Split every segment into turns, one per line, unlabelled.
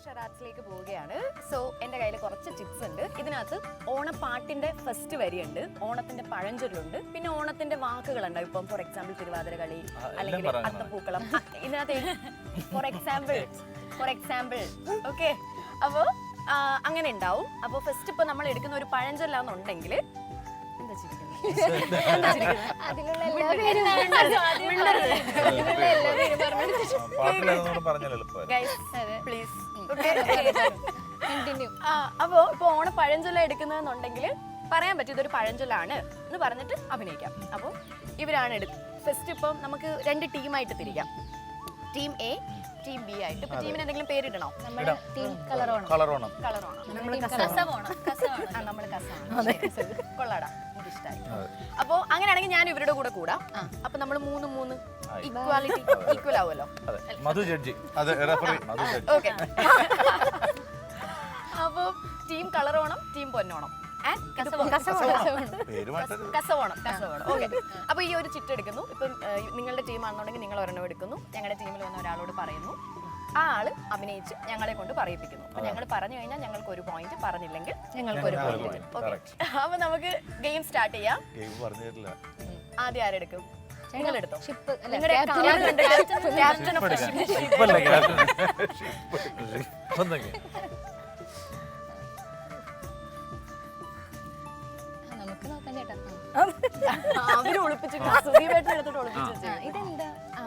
ഷറാറ്റ്സിലേക്ക് പോവുകയാണ്. സോ എന്റെ കയ്യിൽ കുറച്ച് ടിപ്സ് ഉണ്ട്. ഇതിനകത്ത് ഓണപ്പാട്ടിന്റെ ഫസ്റ്റ് വരിയുണ്ട്, ഓണത്തിന്റെ പഴഞ്ചൊല്ലുണ്ട്, പിന്നെ ഓണത്തിന്റെ വാക്കുകളുണ്ട്. ഇപ്പം ഫോർ എക്സാമ്പിൾ തിരുവാതിര കളി അല്ലെങ്കിൽ അത്തപ്പൂക്കളം. ഇതിനകത്ത് ഫോർ എക്സാമ്പിൾ ഓക്കെ. അപ്പോൾ അങ്ങനെ ഉണ്ടാവും. അപ്പോൾ ഫസ്റ്റ് ഇപ്പൊ നമ്മൾ എടുക്കുന്ന ഒരു പഴഞ്ചൊല്ലാന്നുണ്ടെങ്കിൽ എന്താ അപ്പോ ഇപ്പൊ ഓണ പഴഞ്ചൊല്ല എടുക്കുന്നതെന്നുണ്ടെങ്കിൽ പറയാൻ പറ്റും ഇതൊരു പഴഞ്ചൊല്ലാണ് എന്ന് പറഞ്ഞിട്ട് അഭിനയിക്കാം. അപ്പൊ ഇവരാണ് ഫസ്റ്റ് ഇപ്പം നമുക്ക് 2 ടീമായിട്ട് തിരിക്കാം. ടീം എ, ടീം ബി ആയിട്ട്. ഇപ്പൊ ടീമിന് എന്തെങ്കിലും പേരിടണോ? കൊള്ളാടാ, ഇഷ്ടായി. അപ്പൊ അങ്ങനെയാണെങ്കിൽ ഞാൻ ഇവരുടെ കൂടെ കൂടാം. അപ്പൊ നമ്മൾ 3-3 ഈക്വൽ ആവുമല്ലോ. അപ്പൊ ടീം കളറോണം, ടീം പൊന്നോണം, കസവോണം. ഓക്കെ. അപ്പൊ ഈ ഒരു ചിട്ട് എടുക്കുന്നു. ഇപ്പം നിങ്ങളുടെ ടീം ആണെന്നുണ്ടെങ്കിൽ നിങ്ങൾ ഒരെണ്ണം എടുക്കുന്നു. ഞങ്ങളുടെ ടീമിൽ വന്ന ഒരാളോട് പറയുന്നു, ആ ആള് അഭിനയിച്ച് ഞങ്ങളെ കൊണ്ട് പറയിപ്പിക്കുന്നു. അപ്പൊ ഞങ്ങൾ പറഞ്ഞു കഴിഞ്ഞാൽ ഞങ്ങൾക്ക് 1 പോയിന്റ്, പറഞ്ഞില്ലെങ്കിൽ ഞങ്ങൾക്ക് 1 പോയിന്റ്. ഓക്കെ. അപ്പൊ നമുക്ക് ഗെയിം സ്റ്റാർട്ട് ചെയ്യാം. ആദ്യം ആരെടുക്കും? നിങ്ങൾ എടുത്തോ. നിങ്ങളുടെ ക്യാപ്റ്റൻ ഓഫ് ദി ഷിപ്പ്. അവര് ഒളിപ്പിച്ചിട്ട് സുദീപേട്ടനെടുത്തിട്ട് ഒളിപ്പിച്ചു. ഇതെന്താ?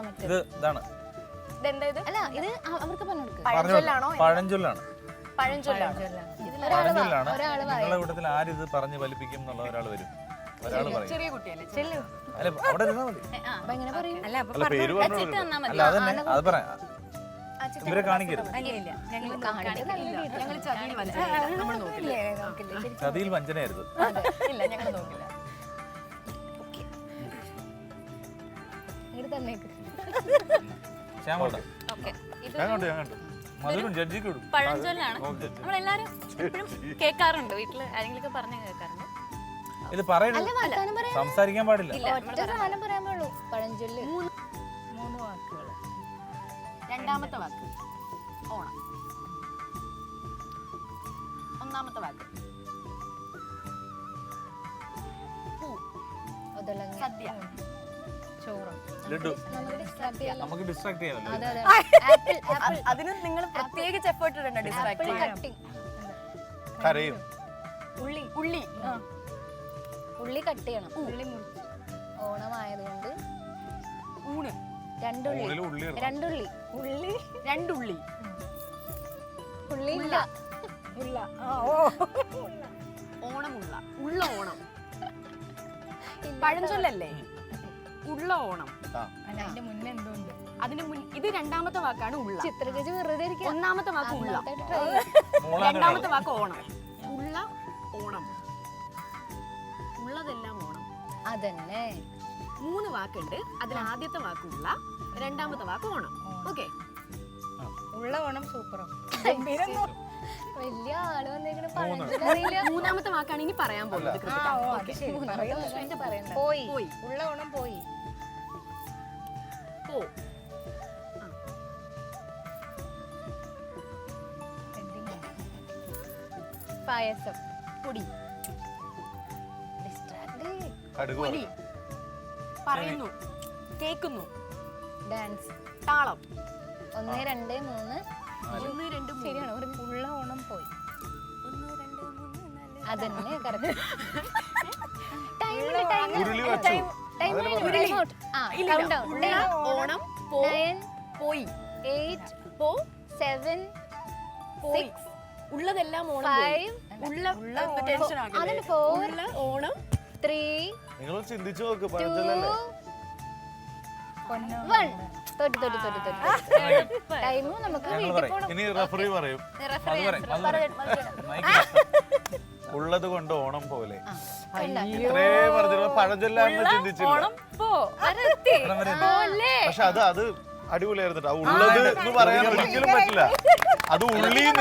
പഴഞ്ചൊല്ലാണ്. നിങ്ങളുടെ കൂട്ടത്തിൽ ആരിത് പറഞ്ഞു ഫലിപ്പിക്കും എന്നുള്ള ഒരാൾ വരും. ഒരാൾ പറയും.
ചെറിയ കുട്ടിയല്ലേ?
അല്ല, അവിടെ ഇരുന്നാ മതി. അല്ല, അതന്നെ അത് പറയാം. ഇവരെ കാണിക്കരുത്. ചതിയിൽ വഞ്ചനയായിരുന്നു.
ഇല്ല, ഞങ്ങൾ നോക്കില്ല.
പഴഞ്ചൊല്ലാണ്. നമ്മളെല്ലാരും എപ്പോഴും കേൾക്കാറുണ്ട്, വീട്ടില് ആരെങ്കിലും പറഞ്ഞു കേൾക്കാറുണ്ട്.
ഇത് പറയരുത്, സംസാരിക്കാൻ പാടില്ല.
പഴഞ്ചൊല്ല്
3 വാക്കുകൾ. രണ്ടാമത്തെ വാക്ക് ഓണം. ഒന്നാമത്തെ വാക്ക് പൂ, സദ്യ, ചോറും.
നമുക്ക് ഡിസ്ട്രാക്ട് ചെയ്യാമല്ലോ.
അതിന് നിങ്ങൾ പ്രത്യേകിച്ച് എഫേർട്ട് ഇടണ്ട. ഡിസ്ട്രാക്ട്
കരയും.
ഉള്ളി കട്ട് ചെയ്യണം. ഉള്ളി മുറിച്ച് ഓണമായതുകൊണ്ട്
ഊണ്.
2 ഉള്ളി.
ഓണമുള്ള ഉള്ള ഓണം. പഴഞ്ചൊല്ലല്ലേ? ഉള്ള ഓണം.
അതിന്റെ മുന്നേ എന്തുണ്ട്?
ഇത് രണ്ടാമത്തെ വാക്കാണ് ഉള്ള.
ചിത്രകേജ് വെറുതെ ഇരിക്കുക.
ഒന്നാമത്തെ വാക്ക് ഉള്ള, രണ്ടാമത്തെ വാക്ക് ഓണം. ഉള്ള ഓണം, ഉള്ളതെല്ലാം ഓണം.
അതന്നെ
3 വാക്കുണ്ട്. അതിൽ ആദ്യത്തെ വാക്ക് ഉള്ള, രണ്ടാമത്തെ വാക്ക് ഓണം. ഓക്കെ.
ഉള്ള ഓണം സൂപ്പറോ. വലിയ ആള് വന്നേക്കണ പഴഞ്ചൊല്ല്.
മൂന്നാമത്തെ വാക്കാണ് ഇനി പറയാൻ പോകുന്നത്.
പോയി. ഉള്ള ഓണം പോയി. പായസം.
പൊടി.
പൊടി.
പറയുന്നു, കേൾക്കുന്നു.
ഡാൻസ്.
താളം.
1 2 3.
1 2 3.
ശരിയാണ്. ഉള്ള ഓണം പോയി.
1 2 3 4.
അതന്നെ കറക്റ്റ്.
ഓണം പോയി.
8 7 6.
ഉള്ളതെല്ലാം ഓണം.
5 4
ഓണം
3.
നിങ്ങൾ ചിന്തിച്ചു നോക്ക്. പഴഞ്ചൊല്ലല്ലേ?
1. തൊട്ട് ടൈം നമുക്ക് വീട്ടിൽ പോകണം.
ഇനി റഫറി പറയും. ഉള്ളത് കൊണ്ട് ഓണം പോലെ. ഇത്രേ പറഞ്ഞ പഴഞ്ചൊല്ലാന്ന് ചിന്തിച്ചില്ല. പക്ഷെ അത് അടിപൊളിയായിരുന്നു. ഉള്ളത് എന്ന് പറയാൻ ഒരിക്കലും പറ്റില്ല. അത് ഉള്ളീന്ന്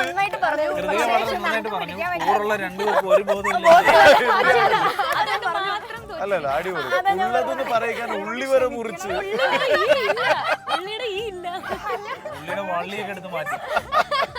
അല്ലല്ല, അടിപൊളി. ഉള്ളതെന്ന് പറയിക്കാൻ ഉള്ളി വരെ മുറിച്ച്
ഉള്ളിയുടെ ഈ ഇല്ല,
ഉള്ളിയുടെ വള്ളിയൊക്കെ എടുത്ത് മാറ്റി.